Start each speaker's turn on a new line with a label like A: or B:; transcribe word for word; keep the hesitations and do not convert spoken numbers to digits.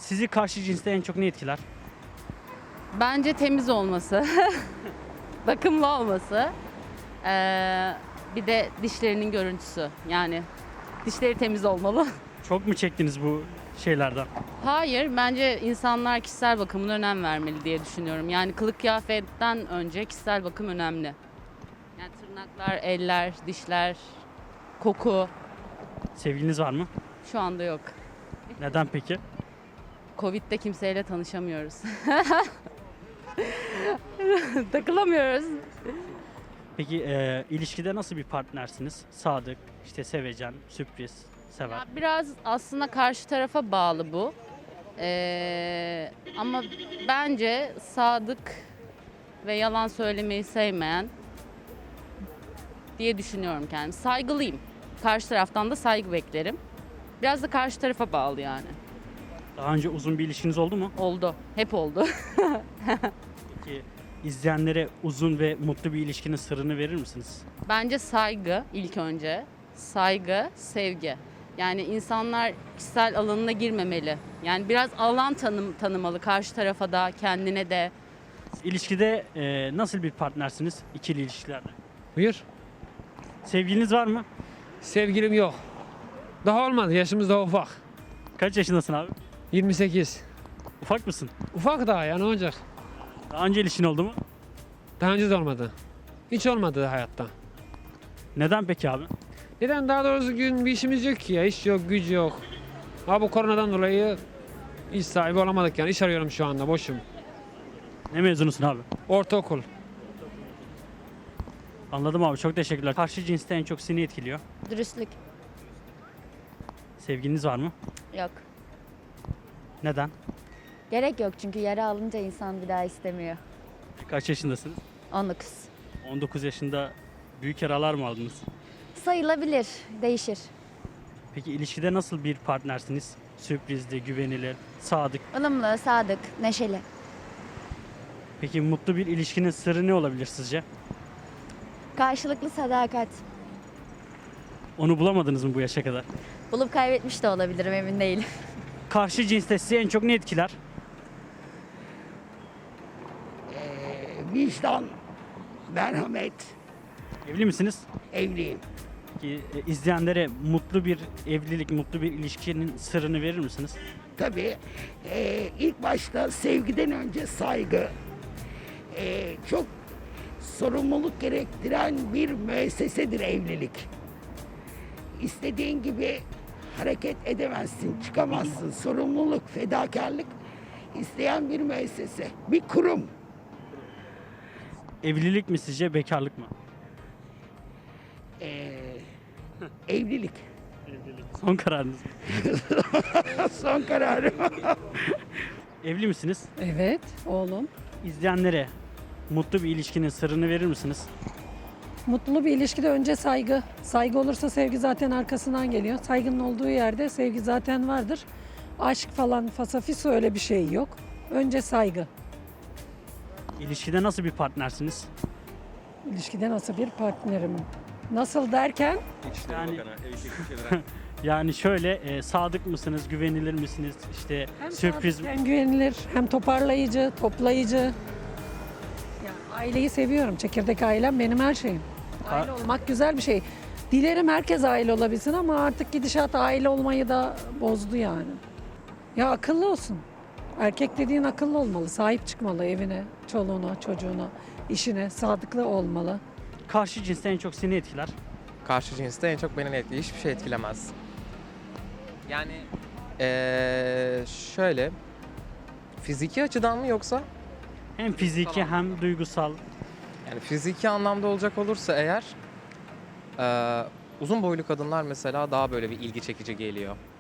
A: Sizi karşı cinste en çok ne etkiler?
B: Bence temiz olması, bakımlı olması, ee, bir de dişlerinin görüntüsü. Yani dişleri temiz olmalı.
A: Çok mu çektiniz bu şeylerden?
B: Hayır, bence insanlar kişisel bakımına önem vermeli diye düşünüyorum. Yani kılık kıyafetten önce kişisel bakım önemli. Yani tırnaklar, eller, dişler, koku
A: Sevgiliniz var mı?
B: şu anda yok.
A: Neden peki?
B: Covid'de kimseyle tanışamıyoruz. Takılamıyoruz.
A: Peki e, ilişkide nasıl bir partnersiniz? Sadık, işte sevecen, sürpriz, sever.
B: Ya biraz aslında karşı tarafa bağlı bu. Ee, ama bence sadık ve yalan söylemeyi sevmeyen diye düşünüyorum kendimi. Saygılıyım. Karşı taraftan da saygı beklerim. Biraz da karşı tarafa bağlı yani.
A: Daha önce uzun bir ilişkiniz oldu mu?
B: Oldu. Hep oldu.
A: Peki izleyenlere uzun ve mutlu bir ilişkinin sırrını verir misiniz?
B: Bence saygı ilk önce. Saygı, sevgi. Yani insanlar kişisel alanına girmemeli. Yani biraz alan tanım, tanımalı karşı tarafa da, kendine de.
A: İlişkide e, nasıl bir partnersiniz ikili ilişkilerde?
C: Buyur.
A: Sevgiliniz var mı?
C: Sevgilim yok. Daha olmadı. Yaşımız daha ufak.
A: Kaç yaşındasın abi?
C: yirmi sekiz.
A: Ufak mısın?
C: Ufak daha ya, ne olacak?
A: Daha önce ilişkin oldu mu?
C: Daha önce de olmadı. Hiç olmadı hayatta.
A: Neden peki abi?
C: Neden? Daha doğrusu gün bir işimiz yok ki ya. İş yok, güç yok. Ha bu koronadan dolayı iş sahibi olamadık yani. İş arıyorum şu anda, boşum.
A: Ne mezunusun abi?
C: Ortaokul.
A: Anladım abi, çok teşekkürler. Karşı cinste en çok seni etkiliyor.
D: Dürüstlük
A: Sevgiliniz var mı?
D: yok.
A: Neden?
D: Gerek yok çünkü yara alınca insan bir daha istemiyor.
A: Kaç yaşındasınız?
D: on dokuz.
A: on dokuz yaşında büyük yaralar mı aldınız?
D: Sayılabilir, değişir.
A: Peki ilişkide nasıl bir partnersiniz? Sürprizli, güvenilir, sadık.
D: Ilımlı, sadık, neşeli.
A: Peki mutlu bir ilişkinin sırrı ne olabilir sizce?
D: Karşılıklı sadakat.
A: Onu bulamadınız mı bu yaşa kadar?
D: Bulup kaybetmiş de olabilirim, emin değilim.
A: Karşı cinste sizi en çok ne etkiler?
E: Vicdan, merhamet,
A: Evli misiniz?
E: evliyim.
A: Peki e, izleyenlere mutlu bir evlilik, mutlu bir ilişkinin sırrını verir misiniz?
E: Tabii e, ilk başta sevgiden önce saygı, e, çok sorumluluk gerektiren bir müessesedir evlilik. İstediğin gibi hareket edemezsin, çıkamazsın. Sorumluluk, fedakarlık isteyen bir müessese, bir kurum.
A: Evlilik mi sizce, bekarlık mı?
E: E, evlilik.
A: Son kararınız mı?
E: Son kararım.
A: Evli misiniz?
F: Evet, oğlum.
A: İzleyenlere mutlu bir ilişkinin sırrını verir misiniz?
F: Mutlu bir ilişkide önce saygı. Saygı olursa sevgi zaten arkasından geliyor. Saygının olduğu yerde sevgi zaten vardır. Aşk falan, fasafiso öyle bir şey yok. Önce saygı.
A: İlişkide nasıl bir partnersiniz?
F: İlişkide nasıl bir partnerim? Nasıl derken
A: Yani, yani şöyle e, sadık mısınız, güvenilir misiniz? İşte
F: hem
A: sürpriz
F: sadık, hem güvenilir, hem toparlayıcı, toplayıcı. Yani aileyi seviyorum. Çekirdek ailem benim her şeyim. Aile olmak güzel bir şey. Dilerim herkes aile olabilsin ama artık gidişat aile olmayı da bozdu yani. Ya akıllı olsun. Erkek dediğin akıllı olmalı, sahip çıkmalı evine, çoluğuna, çocuğuna, işine, sadıklı olmalı.
A: karşı cinste en çok seni etkiler.
G: Karşı cinste en çok beni etkiliyor. Hiçbir şey etkilemez. Yani eee, şöyle fiziki açıdan mı yoksa
A: Hem fiziki
G: Tamam.
A: hem duygusal.
G: yani fiziki anlamda olacak olursa eğer eee, uzun boylu kadınlar mesela daha böyle bir ilgi çekici geliyor.